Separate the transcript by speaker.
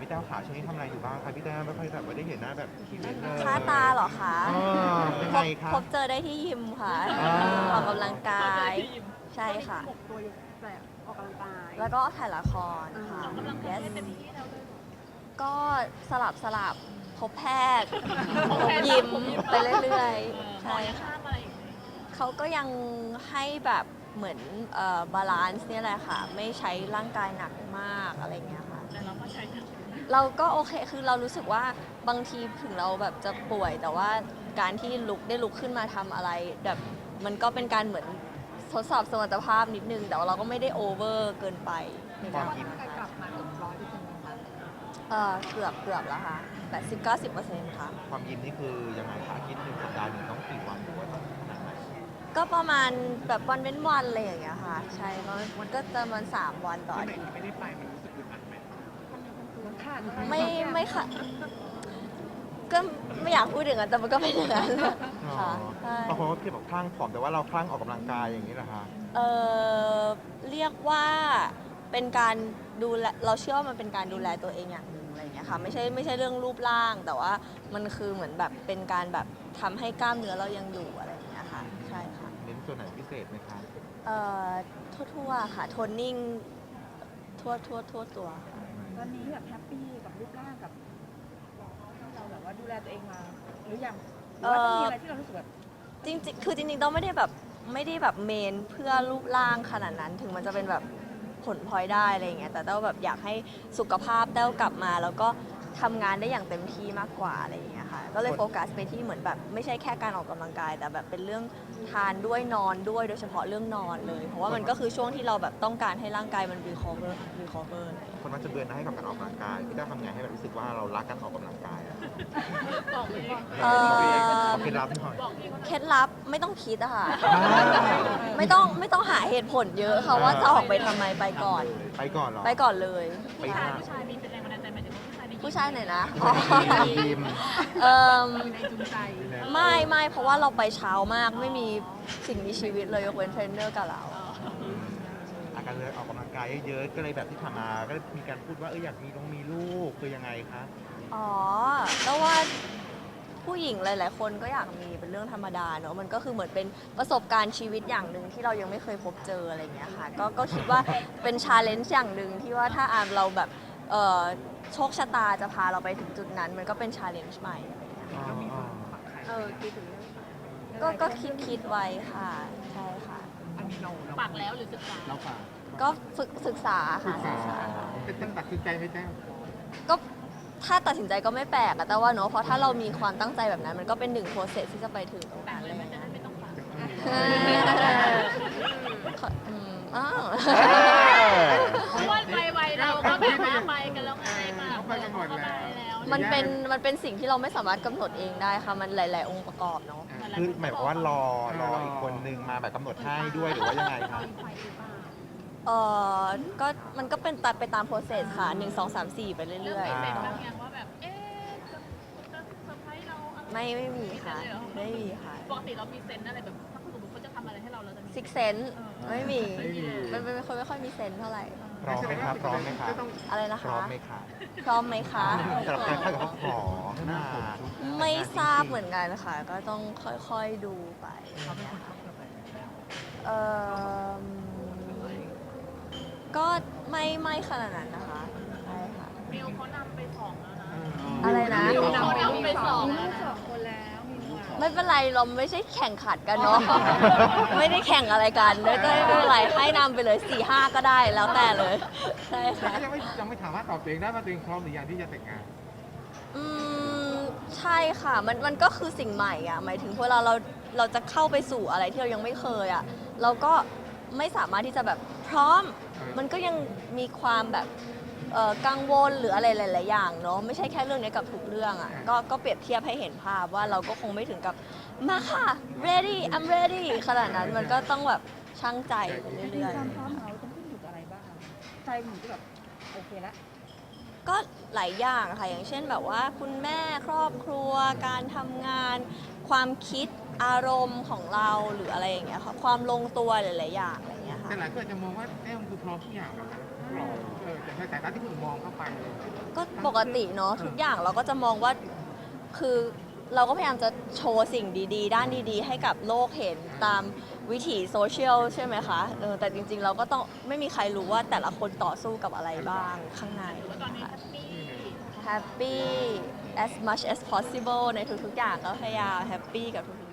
Speaker 1: พี่แต้วขาช่วงนี้ทำอะไรอยู่บ้างคะพี่แต้วไม่ค่อยแบบว่าได้เห็นหน้าแบบอีเวนต์เลย
Speaker 2: ค่าตาเหรอคะ
Speaker 1: เป็นไงคะ
Speaker 2: พบเจอได้ที่ยิมค่ะ
Speaker 1: อ่า
Speaker 2: ออกกำลังกาย ใช่ค่ะ
Speaker 3: หมกตัวอยู่แบบออกกำลังกาย
Speaker 2: แล้วก็ถ่ายละครค่ะ
Speaker 3: ออกกำลังกาย
Speaker 2: Yes
Speaker 3: ได้เต็มที่แล้วเลย
Speaker 2: ก็สลับพบแพทย์พบยิมไปเรื่อยๆ ใช่ค่ะ เขาก็ยังให้แบบเหมือนบาลานซ์เนี่ยแหละค่ะ ไม่ใช้ร่างกายหนักมากอะไรเงี้ยค่ะ
Speaker 3: แต่เราก็ใช้ทั้ง
Speaker 2: เราก็โอเค คือเรารู้สึกว่าบางทีถึงเราแบบจะป่วย แต่ว่าการที่ได้ลุกขึ้นมาทำอะไรแบบมันก็เป็นการเหมือนทดสอบสมรรถภาพนิดนึง แต่ว่าเราก็ไม่ได้โอเวอร์เกินไปในการทำนะคะ
Speaker 3: กลับมาถึง100%นะคะ
Speaker 2: เกือบแล้วค่ะ80-90%ค่ะ
Speaker 1: ความยิมนี่คือยังไงคะอาทิตย์หนึ่งสัปดาห์หนึ่งต้องกี่วันหรือว่าต้องขนาดไหน
Speaker 2: ก็ประมาณแบบวันเว้นวันอะไรอย่างเงี้ยค่ะ ใช่มันก็จะประมาณ3 วันต่ออาทิตย์
Speaker 1: ไม่ได้ไปมันรู้สึกอึดอัดไหม
Speaker 3: มันขาด
Speaker 2: ไม่ค่ะ ก็ไม่อยากพูดอย่างนั้นแต่มันก็เป็นอย่างนั้นค่ะใช่
Speaker 1: บางคนก็คิดบอกคลั่งผอมแต่ว่าเราคลั่งออกกำลังกายอย่างนี้เหรอคะ
Speaker 2: เออเรียกว่าเป็นการดูแลเราเชื่อว่ามันเป็นการดูแลตัวเองอย่างหนึ่งอะไรอย่างเงี้ยค่ะไม่ใช่เรื่องรูปร่าง แต่ว่ามันคือเหมือนแบบเป็นการแบบทำให้กล้ามเนื้อเรายังอยู่อะไรอย่างเงี้ยค่ะใช่ค่ะ
Speaker 1: เน้นส่วนไหนพิเศษไหมคะ
Speaker 2: เอ่อทั่วๆค่ะโทนนิ่งทั่วตัวค่ะ
Speaker 3: ตอนนี้แบบแฮปปี้กับรูปร่างกับที่เราแบบว่าดูแลตัวเองมาหรือยังหรือว่าต้องมีอะไรที่เรารู้สึกแบบ
Speaker 2: จริงๆคือจริงๆต้องไม่ได้แบบเมนเพื่อรูปร่างขนาดนั้นถึงมันจะเป็นแบบผลพลอยได้อะไรอย่างเงี้ยแต่เต้าแบบอยากให้สุขภาพเต้ากลับมาแล้วก็ทำงานได้อย่างเต็มที่มากกว่าอะไรอย่างเงี้ยค่ะก็เลยโฟกัสไปที่เหมือนแบบไม่ใช่แค่การออกกำลังกาย แต่แบบเป็นเรื่องทานด้วยนอนด้วยโดยเฉพาะเรื่องนอนเลย เพราะว่ามันก็คือช่วงที่เราแบบต้องการให้ร่างกายมัน recover อะไรอย่างเงี้ย
Speaker 1: คนมักจะเบื่อหน่ายให้กับการออกกำลังกายพี่แต้วทำไงให้แบบรู้สึกว่าเรารักการออกกำลังกายอะ
Speaker 3: บอกเลย
Speaker 1: เอาเคล็ดลับหน่อย
Speaker 2: เคล็ดลับไม่ต้องคิดอะค่ะ ไม่ต้องหาเหตุผลเยอะค่ะว่าจะออกไปทำไมไปก่อน
Speaker 1: ไปก่อนเหรอ
Speaker 2: ไปก่อนเลย
Speaker 1: ไปหา
Speaker 3: ผู้ชายมีเป็นแรงบันดาลใจหมายถึงว่าผู้ชายมี
Speaker 2: ผู้ชายไหนนะ
Speaker 1: ยิม
Speaker 2: เอิ่ม
Speaker 3: แรงจูงใจ
Speaker 2: ไม่เพราะว่าเราไปเช้ามากไม่มีสิ่งมีชีวิตเลยยกเว้นเทรนเนอร์กับเรา
Speaker 1: อาการเลยออกกำลังกายเยอะๆก็เลยแบบที่ผ่านมาก็มีการพูดว่าอยากมีลูกคือยังไงคะ
Speaker 2: อ๋อแล้วว่าผู้หญิงหลาย ๆ คนก็อยากมีเป็นเรื่องธรรมดาเนอะมันก็คือเหมือนเป็นประสบการณ์ชีวิตอย่างหนึ่งที่เรายังไม่เคยพบเจออะไรอย่างเงี้ยค่ะก็คิดว่าเป็นชาเลนจ์อย่างหนึ่งที่ว่าถ้าเราแบบโชคชะตาจะพาเราไปถึงจุดนั้น มันก็เป็นชาเลนจ์ใหม่อะไรอย่างเงี้ยค่ะ
Speaker 3: คิดถึง
Speaker 2: ก็คิดไว้ค่ะใช่ค่ะ
Speaker 3: ปักแล้วหรือศึกษา
Speaker 1: เราฝาก
Speaker 2: ก็ศึกษาค่ะศึกษา
Speaker 1: เป็นตั้งตัดสินใจไหมแต้ว
Speaker 2: ก็ถ้าตัดสินใจก็ไม่แปลกอะแต่ว่าเนอะเพราะถ้าเรามีความตั้งใจแบบนั้น มันก็เป็นหนึ่งโปรเซสที่จะไปถึงตรงนั้นเลย
Speaker 3: ไม่ต้องปัก
Speaker 2: อ้าว
Speaker 3: เพราะว่าวัยเราก็แบบว่าไปกันแล้วไงมาไปกันหมดแล้ว
Speaker 2: มันเป็นสิ่งที่เราไม่สามารถกำหนดเองได้ค่ะ มันหลาย ๆ องค์ประกอบเนาะ
Speaker 1: คือหมายความว่ารออีกคนนึงมาแบบกำหนดให้ด้วยหรือว่ายังไงคะ
Speaker 2: ก็มันก็เป็นตัดไปตามโปรเซสค่ะ 1 2 3 4 ไปเรื่อย
Speaker 3: เป็นบางอย่างว่าแบบจะเซอร์ไพรส์เรา
Speaker 2: ๆ ไม่มีค่ะ ไม่มีค่ะ
Speaker 3: ปกติเรามีเซนอะไรแบบถ้าสมมติเขาจะทำอะไรให้เราจะมี
Speaker 2: ซิกเซนไม่มี มันเป็นคนไม่ค่อยมีเซนส์เท่าไหร่
Speaker 1: พร้อมไหมคะพร้อมไหมคะ
Speaker 2: อะไรนะ
Speaker 1: พร้อ
Speaker 2: คะ
Speaker 1: มไหมคะ
Speaker 2: พร้อมไหมคะ
Speaker 1: สำหรับการเข้ากับเขาขอหน้า
Speaker 2: ไม่ทราบเหมือนกันค่ะ ก็ต้องค่อยๆดูไปเอ่อก็ไม่ขนาดนั้นนะคะใช่ค่ะ
Speaker 3: มิวเขานำไป2แล้วนะ
Speaker 2: อะไรนะ
Speaker 3: มิวนำไป2แล้วนะ
Speaker 2: ไม่เป็นไรเราไม่ใช่แข่งขันกันเนาะ ไม่ได้แข่งอะไรกันก็ไม่เป็นไรให้นำไปเลย4-5ก็ได้แล้วแต่เลยใช่ค่ะ
Speaker 4: ยังไม่สามารถตอบตัวเองได้ว่าตัวเองพร้อมหรือยังที่จะแต่งงาน
Speaker 2: อืมใช่ค่ะมันก็คือสิ่งใหม่อ่ะหมายถึงพอเราจะเข้าไปสู่อะไรที่เรายังไม่เคยอ่ะเราก็ไม่สามารถที่จะแบบพร้อม มันก็ยังมีความแบบกังวลหรืออะไรหลาย ๆ อย่างเนาะไม่ใช่แค่เรื่องนี้กับทุกเรื่องอ่ะก็เปรียบเทียบให้เห็นภาพว่าเราก็คงไม่ถึงกับมาค่ะ ready I'm ready ขนาดนั้นมันก็ต้องแบบชั่งใจไปเรื่อย
Speaker 3: ความพร้อมเราต้องขึ้นอยู่กับอะไรบ้างใจหนูจะแบบโอเคแล้ว
Speaker 2: ๆ ก็หลายอย่างค่ะอย่างเช่นแบบว่าคุณแม่ครอบครัวการทำงาน ความคิดอารมณ์ของเราหรืออะไรอย่างเงี้ยค่ะความลงตัวหลาย ๆ อย่างอะไรอย่างเงี้ยค่ะ
Speaker 4: แต่หลายคนจะมองว่าแต้วคือพร้อมทุกอย่างแล้วนะพร้อมจะให้สายตาที่คุณมองเข้าไป
Speaker 2: ก็ปกติเนาะทุกอย่างเราก็จะมองว่าคือเราก็พยายามจะโชว์สิ่งดีๆ ด้านดีๆ ให้กับโลกเห็นตามวิถีโซเชียลใช่ไหมคะแต่จริงๆเราก็ต้องไม่มีใครรู้ว่าแต่ละคนต่อสู้กับอะไรบ้างข้างในค่ะ happy as much as possible ในทุกๆอย่างก็พยายามแฮปปี้กับทุกๆ